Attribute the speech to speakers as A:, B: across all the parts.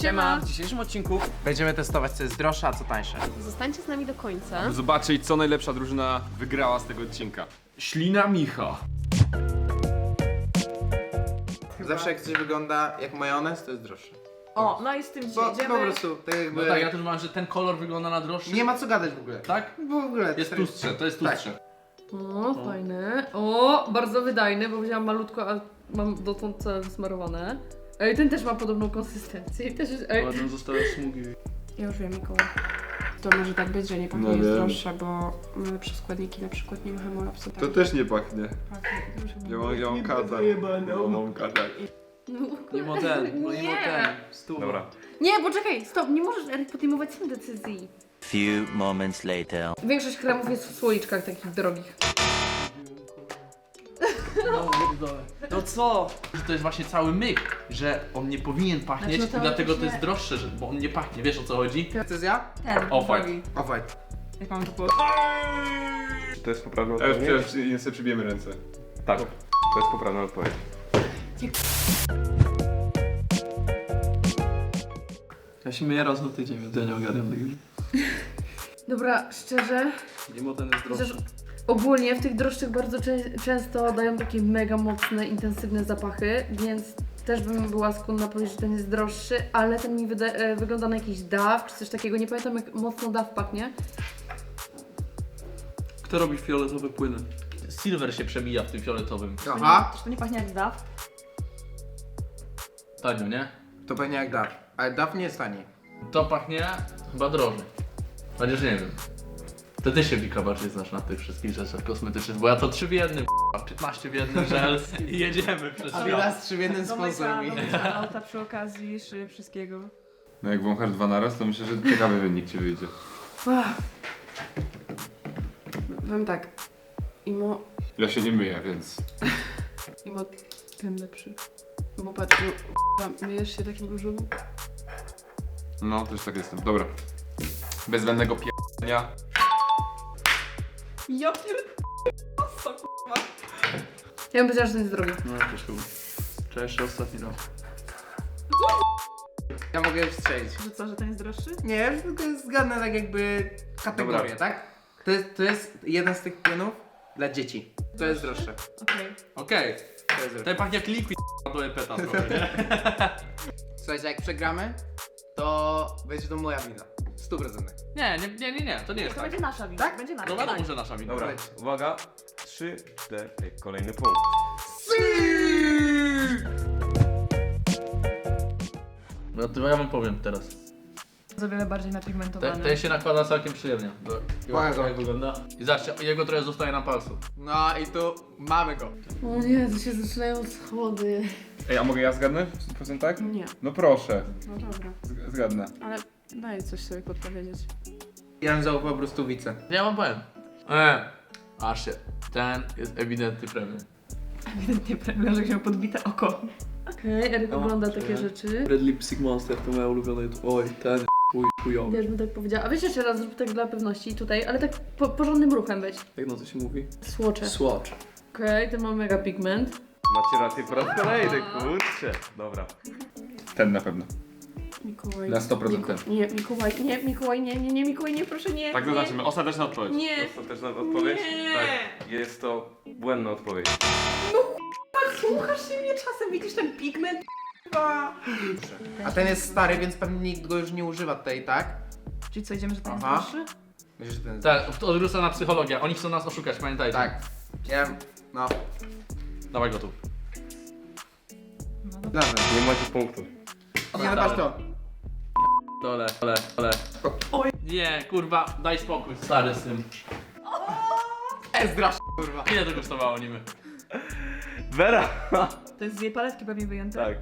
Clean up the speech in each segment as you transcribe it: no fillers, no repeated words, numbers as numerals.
A: Siema! W dzisiejszym odcinku będziemy testować, co jest droższe, a co tańsze.
B: Zostańcie z nami do końca.
C: Zobaczyć, co najlepsza drużyna wygrała z tego odcinka. Ślina Micha.
A: Zawsze jak coś wygląda jak majonez, to jest droższe.
D: O, no i z tym
A: Bo
D: jedziemy.
A: po prostu, tak jakby...
E: No tak, ja też mam, że ten kolor wygląda na droższy.
A: Nie ma co gadać w ogóle.
E: Tak?
A: W ogóle.
E: Jest tłustsze, to jest
A: Tak.
E: tłustsze.
D: O, fajny. O, bardzo wydajny, bo wziąłam malutko, a mam dotąd całe wysmarowane. Ej, ten też ma podobną konsystencję. Też jest, ej.
E: Ładnie zostały smugi.
B: Ja już wiem, Mikołaj. To może tak być, że nie pachnie
C: No
B: jest
C: wiem.
B: droższa, bo ma lepsze składniki, na przykład nie ma hemolapsu.
C: To też nie pachnie.
B: pachnie dużo.
C: Ja mam katar. Ja mam katar.
E: Nie ma ten, no nie ma ten. Stół.
C: Dobra.
D: Nie, poczekaj, stop, nie możesz Eryk podejmować sam decyzji.
F: Few moments later.
D: Większość kremów jest w słoiczkach takich drogich.
E: No co? Że to jest właśnie cały myk, że on nie powinien pachnieć
D: Znaczy, no to
E: i dlatego to
D: właśnie-
E: jest droższe, bo on nie pachnie, wiesz o co chodzi?
A: Decyzja?
D: Ten,
E: Off-white.
A: Off-white.
D: Jak mam to
G: To jest poprawna
C: A już
G: odpowiedź?
C: przecież sobie przybijemy ręce.
G: Tak, to jest poprawna odpowiedź.
E: Ja się myję raz na tydzień, więc ja nie ogarniam tego.
D: Dobra, szczerze,
E: Mimo ten jest droższy.
D: chociaż ogólnie w tych droższych bardzo często dają takie mega mocne, intensywne zapachy, więc też bym była skłonna powiedzieć, że ten jest droższy, ale ten mi wygląda na jakiś DAW czy coś takiego, nie pamiętam jak mocno DAW pachnie.
E: Kto robi fioletowe płyny? Silver się przemija w tym fioletowym.
A: Aha,
D: To nie pachnie jak DAW?
E: Tanio, nie?
A: to pewnie jak DAF. Ale DAF nie jest tani.
E: To pachnie chyba drożej. Chociaż nie wiem. To ty się, Wika, bardziej znasz na tych wszystkich rzeczach kosmetycznych, bo ja to 3 w jednym, 15 w jednym żel i jedziemy przez świat.
A: Adidas 3 w jednym sponsor mi.
D: auta przy okazji, wszystkiego.
C: No jak wąchasz dwa naraz, to myślę, że ciekawy wynik ci wyjdzie.
B: Powiem tak. Imo
C: Ja się nie myję, więc...
B: ten lepszy. Bo patrz, no, myjesz się takim różowym?
C: No, też tak jestem. Dobra. Bez zbędnego p***nia.
D: Ja Ja bym powiedziała, że ten jest drogi.
E: No też chyba. Trzeba jeszcze ostatni raz.
A: Ja mogę już strzelić.
D: Że co, że ten jest droższy?
A: Nie, tylko jest zgadnę tak jakby kategorię,
C: Dobra.
A: tak? To jest jeden z tych płynów dla dzieci. To jest droższe.
D: Okej.
E: Okej.
A: To jest droższe.
E: Ten pachnie jak liquid do epeta trochę, nie?
A: Słuchajcie, jak przegramy, to będzie to moja wina. 100%.
E: Nie, to nie jest
D: To
E: tak.
D: będzie nasza wina.
A: Tak?
D: Będzie nasza.
E: No wiadomo, że nasza wina.
G: Dobra, uwaga. 3, 4, kolejny punkt.
E: No to ja wam powiem teraz.
D: O wiele bardziej napigmentowany.
E: Ten się nakłada całkiem przyjemnie.
A: Bardzo.
E: Jak wygląda? I zobaczcie, jego trochę zostaje na palcu.
A: No i tu mamy go.
D: O nie, to się zaczynają schody.
C: Ej, a mogę ja zgadnę? 100% tak?
B: Nie.
C: No proszę.
B: No dobra.
C: Zgadnę.
B: Ale daj coś sobie podpowiedzieć.
A: Ja bym zaufał po prostu wice.
E: Ja wam powiem. Aż się. Ten jest ewidentny premium.
D: Ewidentnie prawie, że miał podbite oko. Okej, Eryk ogląda takie rzeczy.
E: Red Lipstick Monster to moja ulubiona. Oj, ten chujowy.
D: Wiesz, bym tak powiedziała. A weź jeszcze raz, zrób tak dla pewności tutaj, ale tak porządnym ruchem weź.
E: Jak na to się mówi?
D: Słocze.
E: Swatch.
D: Okej, ten ma mega pigment.
G: Macie rację po raz kolejny, kurczę. Dobra.
C: Ten na pewno.
B: Mikołaj.
C: Na 100% ten.
B: Nie, Mikołaj, nie, Mikołaj, nie, proszę nie.
C: Tak
B: nie.
C: zaznaczymy. Ostateczna odpowiedź.
B: Nie.
G: Ostateczna odpowiedź?
B: Nie.
G: Tak. Jest to błędna odpowiedź.
D: Słuchasz się mnie czasem, widzisz ten pigment?
A: A ten jest stary, więc pewnie nikt go już nie używa tutaj, tak?
D: Czyli co, idziemy, że ten jest
A: Aha.
D: droższy?
A: Myślę, że ten jest...
E: Tak, odwrócę na psychologię. Oni chcą nas oszukać, pamiętajcie.
A: Tak. Ja... No.
E: Dawaj go tu.
A: Dobra.
G: Nie macie punktów.
A: Nie, no patrz to.
E: Dole. Oj. Nie, kurwa, daj spokój, stary z tym.
A: Ezdrasz, kurwa.
E: Ile to kosztowało niby?
G: Vera!
D: To jest z jej paletki pewnie wyjęte.
G: Tak.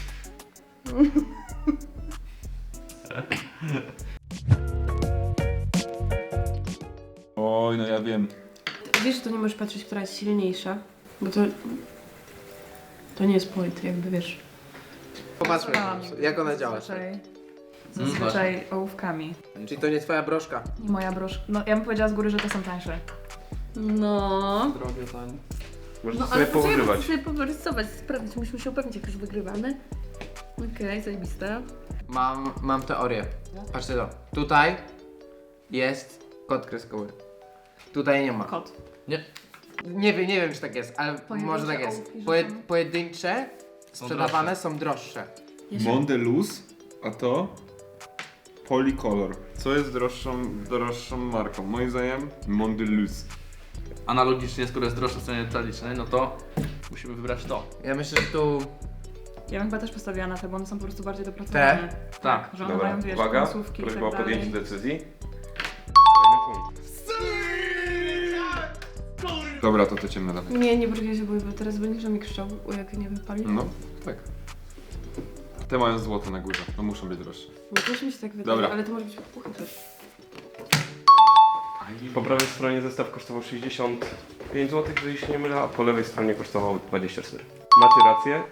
C: Oj, no ja wiem.
B: Wiesz, że to nie możesz patrzeć, która jest silniejsza, bo to nie jest point, jakby wiesz.
A: Popatrzmy, jak ona działa.
D: Zazwyczaj ołówkami.
A: Czyli to nie twoja broszka.
D: I moja broszka. No, ja bym powiedziała z góry, że te są tańsze. No.
E: Drogie, tanie.
G: Możecie sobie pougrywać.
D: Muszę sobie porysować, sprawdzić, musimy się upewnić, jak już wygrywamy. Okej, zajebiste.
A: Mam teorię. Patrzcie to. Tutaj jest kod kreskowy. Tutaj nie ma.
B: Kot.
A: Nie wiem czy tak jest, ale
D: Pojedyncze
A: może tak jest.
D: ołówki rzucone.
A: Pojedyncze sprzedawane są droższe.
C: Mondeluz, a to Polycolor. Co jest droższą marką? Moim zdaniem Mondeluz.
E: Analogicznie, skoro jest droższe w cenie detalicznej, no to musimy wybrać to.
A: Ja myślę, że tu
H: Ja bym chyba też postawiła na te, bo one są po prostu bardziej dopracowane.
E: Tak.
H: Że one
G: Dobra,
H: mają, wiesz,
G: uwaga,
H: końcówki i
G: prośba o
H: tak
G: podjęcie
H: dalej.
G: decyzji. Kolejny punkt.
C: Dobra, to ciemne dawaj.
B: Nie brudź się, bo teraz będziesz mi krzyczał, jak nie wypali.
C: No, tak. Te mają złote na górze, no muszą być droższe.
B: No też mi się tak wydaje,
C: Dobra.
B: ale to może być puchy też.
G: Po prawej stronie zestaw kosztował 65 zł, jeżeli się nie mylę, a po lewej stronie kosztował 24. Macie rację.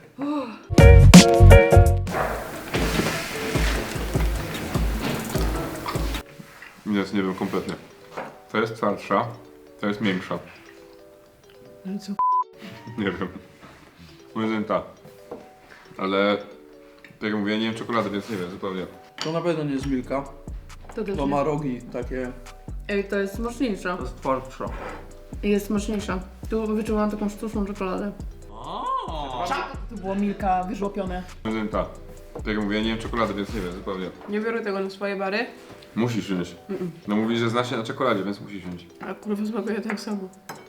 C: Nie wiem kompletnie. To jest twardsza, to jest miększa.
B: Ale co?
C: Nie wiem. Moim zdaniem ta. Ale tak jak mówię, ja nie wiem czekolady, więc nie wiem zupełnie.
E: To na pewno nie jest Milka.
D: To też
E: To ma rogi takie.
D: Ej, to jest smaczniejsza.
E: To jest twardsza.
D: Jest smaczniejsza. Tu wyczułam taką sztuczną czekoladę.
H: To było Milka wyżłopione.
C: Moim zdaniem ta. Tak jak mówię, ja nie wiem czekolady, więc nie wiem zupełnie.
B: Nie biorę tego na swoje bary,
C: Musisz wziąć. No mówisz, że znasz się na czekoladzie, więc musisz wziąć.
B: a kurwa smakuje tak samo.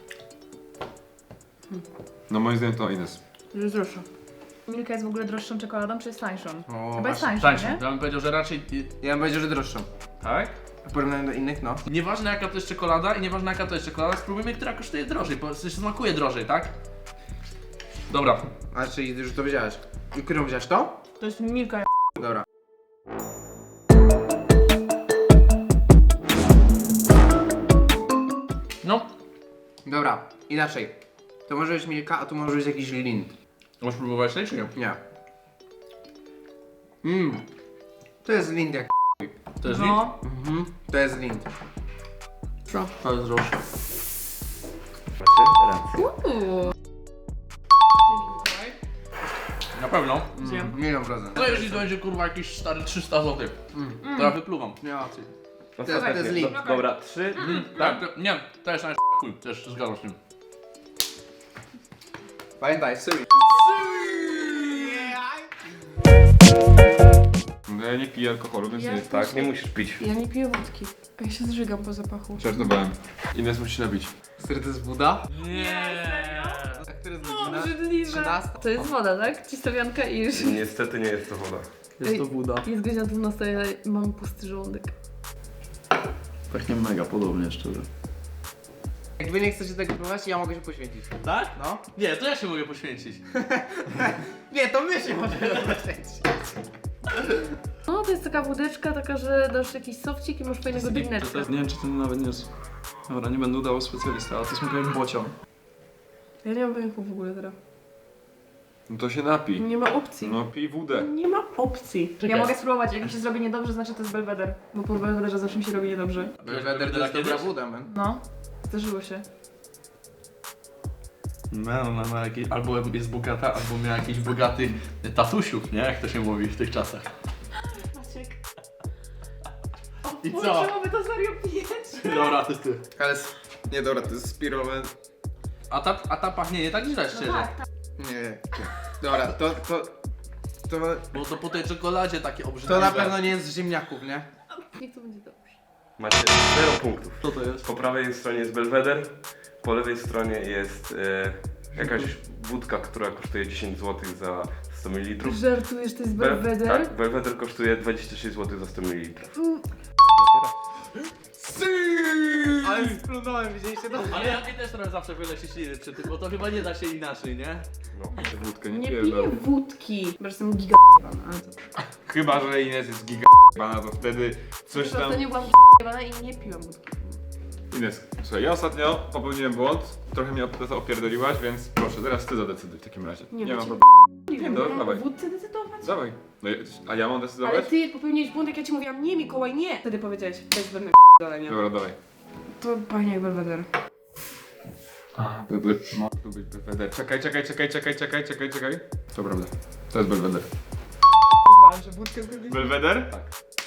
C: No moim zdaniem to Ines.
B: Że jest droższa.
H: Milka jest w ogóle droższą czekoladą, czy jest tańszą?
A: O,
H: Chyba jest tańszą,
E: Tańszą.
H: nie?
E: Ja bym powiedział, że raczej...
A: ja bym powiedział, że droższą.
E: Tak?
A: W porównaniu do innych, no.
E: Nieważne jaka to jest czekolada i nieważne jaka to jest czekolada, spróbujmy, która kosztuje drożej, bo się smakuje drożej, tak? Dobra.
A: A czyli już to wiedziałeś. I którą wziąłeś to?
H: To jest Milka.
A: Dobra.
E: No.
A: Dobra, inaczej. To może być Milka, a tu może być jakiś Lind.
E: Możesz próbować tej, czy nie?
A: Nie. To jest Lind jak
E: To jest
H: No.
A: To jest Lind.
B: Co?
E: To jest droższe.
G: Macie rację.
E: Na pewno.
H: Zjem.
A: 1,000,000%.
E: To jeśli to będzie kurwa jakieś stary 300 zł. To ja wypluwam.
A: Nie ma opcji.
G: Ostatecznie.
A: to jest link.
G: Dobra, 3.
E: Tak? Nie, to jest chuj, też zgadzam się z tym.
A: Pamiętaj, Syri.
C: No ja nie piję alkoholu, więc
B: Ja
C: nie.
G: Tak, nie musisz pić.
B: Ja nie piję wódki. A ja się zżygam po zapachu.
C: Żartowałem. Ines musi się nabić.
A: Syry to jest Buda?
E: Nie.
A: A który jest godzina?
B: Obrzydliwe.
A: 13?
D: To jest woda, tak? Cistawianka i już.
G: Niestety nie jest to woda.
E: Jest to Buda.
D: Jest godzina 12, ja mam pusty żołądek.
E: Pachnie mega podobnie, szczerze.
A: Jak wy nie chcecie tego próbować, ja mogę się poświęcić.
E: Tak?
A: No.
E: Nie, to ja się mogę poświęcić.
A: Nie, to my się możemy poświęcić.
D: No, to jest taka wódeczka, taka, że dasz jakiś sofcik i masz fajnego drineczka.
I: Nie wiem, czy ten nawet nie jest. Dobra, nie będę udawał specjalista, ale to smakuje jak bocian.
B: Ja nie mam pojęcia w ogóle teraz.
C: No to się napij.
B: Nie ma opcji.
C: No pij wódę.
B: Nie ma opcji.
H: Ja mogę spróbować, jak mi się zrobi niedobrze, znaczy to jest Belweder. Bo po Belwederze zawsze mi się robi niedobrze.
A: Belweder to jest dobra Buda, man.
H: No, zdarzyło się.
E: No, ma jakieś, albo jest bogata, albo miała jakichś bogatych tatusiów, nie? Jak to się mówi w tych czasach.
H: Maciek.
E: I co?
H: Czemu wy to serio pijecie?
E: Dobra, to jest ty.
A: Ale... Nie, dobra, to jest spirowe.
E: A ta pachnie nie tak źle, szczerze.
A: Nie. Dobra, to...
E: Bo to po tej czekoladzie takie obrzydliwe.
A: To na pewno nie jest z ziemniaków, nie?
D: Niech to będzie dobrze.
G: Macie 0 punktów.
E: Co to jest?
G: Po prawej stronie jest Belweder, po lewej stronie jest jakaś wódka, która kosztuje 10 zł za 100 ml.
D: Żartujesz, to jest Belweder?
G: Tak, Belweder kosztuje 26 zł za 100 ml.
A: Ale splunąłem, widzieliście to?
E: Ale ja też trochę zawsze wylę się śliny przy tym, bo to chyba nie da się inaczej, nie?
G: No.
C: Wódkę
B: Nie
C: nie
B: piję
C: piję.
B: wódki. Bo jestem giga ale co?
C: Chyba, że Ines jest giga to wtedy coś
B: Po
C: tam...
B: prostu nie byłam giga i nie piłam wódki.
C: Ines, słuchaj, ja ostatnio popełniłem błąd, trochę mnie opierdoliłaś, więc proszę, teraz ty zadecyduj w takim razie.
B: Nie,
C: Nie
B: no
C: mam
B: ci-
C: problemu.
B: Nie
C: no,
B: wiem,
C: dawaj.
B: o wódce decydować?
C: Dawaj. No, a ja mam
B: Ale
C: decydować?
B: ty popełniłeś błąd, jak ja ci mówiłam, nie Mikołaj, nie! Wtedy powiedziałeś, bez zbędnego dalej, nie?
C: Dobra, dawaj.
B: To pachnie jak Belweder.
C: Ma tu być Belweder. Czekaj. To prawda. To jest Belweder.
H: że wódkę kupić.
C: Belweder?
G: Tak.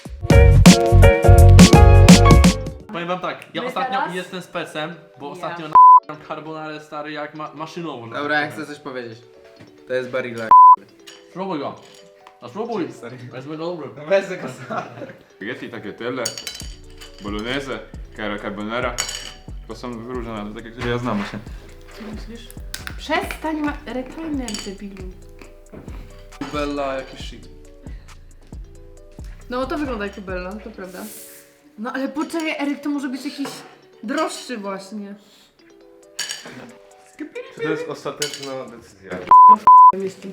E: Powiem wam tak, ja
H: My
E: ostatnio
H: teraz?
E: jestem specem, bo
H: Ja.
E: ostatnio na carbonarę stary jak maszynowo.
A: Dobra, ja chcę coś powiedzieć. To jest Barilla.
E: Spróbuj go. No spróbuj. Wezmę go dobry.
A: Weź tego sam.
C: Spaghetti, tagliatelle, bolognese, carbonara. To są różne, takie, które ja znam właśnie.
B: Co myślisz? Przestań ma retainer, debilu.
I: Bella, jakiś shit.
D: No to wygląda jak Bella, to prawda. No ale poczekaj, Eryk, to może być jakiś droższy właśnie.
G: Czy to jest ostateczna decyzja?
B: Jestem.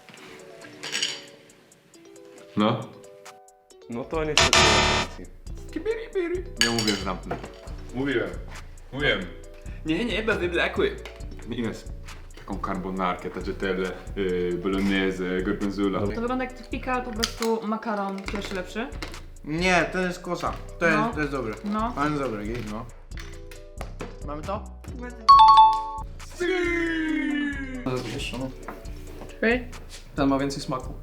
G: No. No to niestety nie ma racji.
C: Nie mówię, że zamknę. Mówiłem. Nie, bo wyblakły. Ines, taką carbonarkę, tagliatelle, bolognese, gorgonzola.
H: To wygląda jak typical po prostu makaron pierwszy lepszy.
A: Nie, to jest kosa. To jest,
H: No.
A: to jest dobre.
H: No.
A: Ale dobre, gej, no. Mamy to?
I: To jest wyższe, no.
B: Czekaj.
I: Ten ma więcej smaku.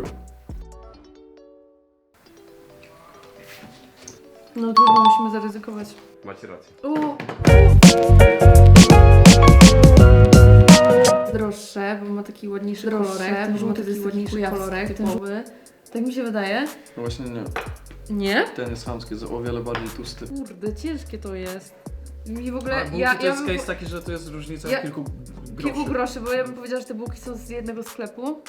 D: No trudno, musimy zaryzykować.
G: Macie rację.
D: Droższe, bo ma taki ładniejszy kolorek, ten żółty to jest ładniejszy kolorek, typowy. Tak mi się wydaje.
I: No właśnie nie.
D: Nie?
I: Ten jest chamski, jest o wiele bardziej tłusty.
D: Kurde, ciężkie to jest. Mi w ogóle,
I: Ale bułki to jest case taki, że to jest różnica
D: Ja-
I: kilku
D: kilku
I: groszy.
D: groszy, bo ja bym powiedziała, że te bułki są z jednego sklepu.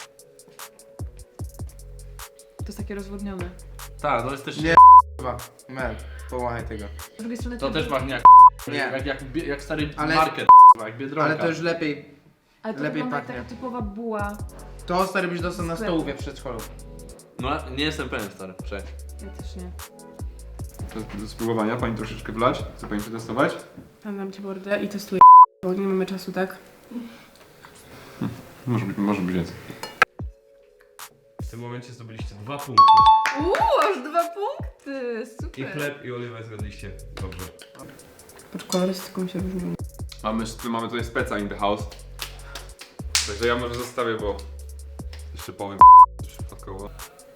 H: To jest takie rozwodnione.
E: Tak, to jest też...
A: Nie. Chyba. Mel, połachaj tego.
H: Z drugiej strony
E: To też pachnie jak...
A: Nie.
E: Jak stary
A: Ale-
E: market, jak Biedronka.
A: Ale to już lepiej.
H: Ale to
A: lepiej
H: wygląda jak
A: pachnie.
H: taka typowa buła.
A: To stary byś dostał na
H: Sklepu.
A: stołówie w przedszkolu.
E: No, nie jestem pewien stary, przecież.
H: Ja też nie.
C: To do spróbowania, pani troszeczkę wlać. Chce pani przetestować?
B: Tam dam ci mordę i testuję, bo nie mamy czasu, tak?
C: Może być więcej.
G: W tym momencie zdobyliście 2 punkty.
D: Aż 2 punkty!
G: I
D: Super!
G: chleb i oliwę zgadliście. Dobrze.
B: Patrz, kolorystyką się różnią.
C: Mamy tutaj speca in the house. Także ja może zostawię, bo jeszcze powiem przypadkowo.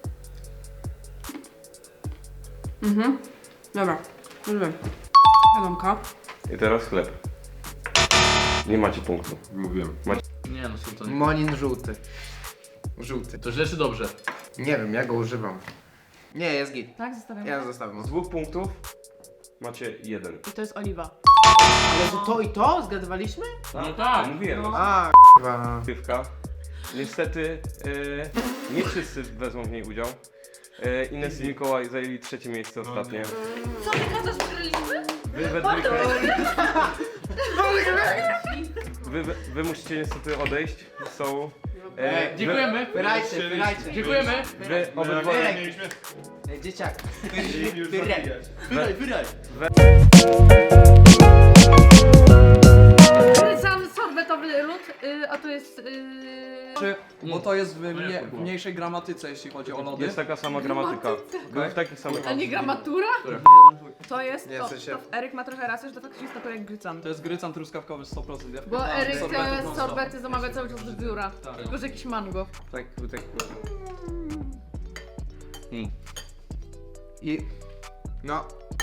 B: Mhm. Dobra, już wiem. Wiadomka.
G: I teraz chleb. Nie macie punktu.
C: Mówiłem.
E: Nie no, są to nie...
A: Monin żółty. Żółty.
E: To źle czy dobrze?
A: Nie wiem, ja go używam. Nie, jest git.
H: Tak, zostawiam.
A: Ja zostawiam.
G: Z 2 punktów macie 1.
H: I to jest oliwa.
A: Ale że to i to zgadywaliśmy?
E: No tak.
G: Mówiłem.
A: A, k***wa.
G: Piwka. Niestety nie wszyscy wezmą w niej udział. Ines i Mikołaj zajęli 3. miejsce ostatnie.
D: Co ty gadasz, wygraliśmy?
G: Wy we dwójkę. Wy musicie niestety odejść z stołu.
E: Dziękujemy.
A: Wyrajcie, wyrajcie.
E: Dziękujemy.
G: Wy obydwoje.
A: Ej, dzieciak.
D: Sam sorbetowy lód, a to jest...
I: Bo to jest w mniejszej gramatyce, jeśli chodzi o lody.
G: Jest taka sama gramatyka. Były w takich samych.
D: A nie gramatura?
H: To jest
A: Nie,
H: to,
A: w sensie-
H: to Eryk ma trochę rację, że to faktycznie smakuje jak grycan.
I: To jest grycan truskawkowy 100%. Ja
D: Bo
I: wkładałem
D: Eryk
I: sorbetów
D: te
I: non-stop.
D: sorbety zamawia cały czas do biura.
I: Tak.
D: Tylko, że jakiś mango.
A: Tak. I... No.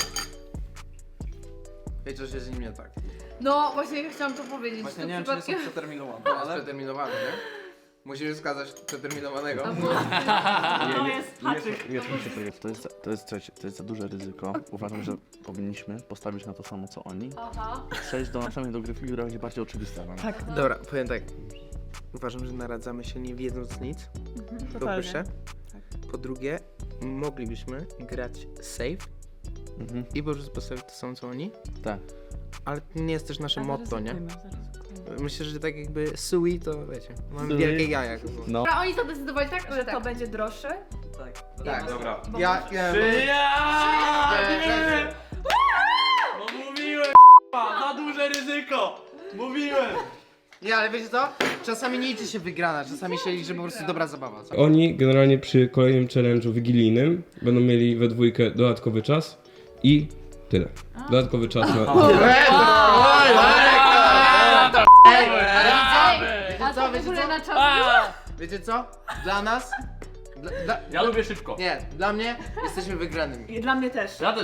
A: Wiecie, że jest z nim nie tak.
D: No, właśnie chciałam to powiedzieć.
I: Właśnie
D: to
I: nie wiem, czy nie są
D: przypadkiem-
I: przeterminowane,
A: Ale
I: ale...
A: przeterminowany, nie? Musisz wskazać przeterminowanego.
D: Albo...
H: To jest haczyk.
G: Nie słyszę tego.
J: To jest za duże ryzyko. Uważam, że powinniśmy postawić na to samo co oni.
D: Aha.
J: Przejść do następnej dogrywki, która będzie bardziej oczywista. dla nas.
H: Tak,
A: Dobra, powiem tak. Uważam, że naradzamy się nie wiedząc nic. Po
H: totalnie.
A: pierwsze. Po drugie, moglibyśmy grać safe
J: Mhm.
A: i po prostu postawić to samo co oni.
J: Tak.
A: Ale to nie jest też nasze motto, nie?
H: Zaryzykujmy.
A: Myślę, że tak jakby sui to wiecie, mam
J: Sui.
A: wielkie jaja.
J: No.
D: Dobra, oni zadecydowali tak,
H: Że
D: że
H: to
D: tak.
H: będzie droższe?
A: Tak,
G: Dobra.
A: ja
E: No mówiłem, za duże ryzyko. Mówiłem.
A: Nie, ale wiecie co? Czasami nie liczy się wygrana, czasami się liczy po prostu dobra zabawa. Co?
K: Oni generalnie przy kolejnym challenge'u wigilijnym będą mieli we dwójkę dodatkowy czas i tyle. Dodatkowy czas na...
A: Wiecie co,
D: A to w
A: wiecie
D: ogóle
A: co?
D: na czas było?
A: Wiecie co? Dla nas Dla,
E: Ja lubię szybko.
A: nie, dla mnie jesteśmy wygranymi.
H: I dla mnie też.
E: Ja też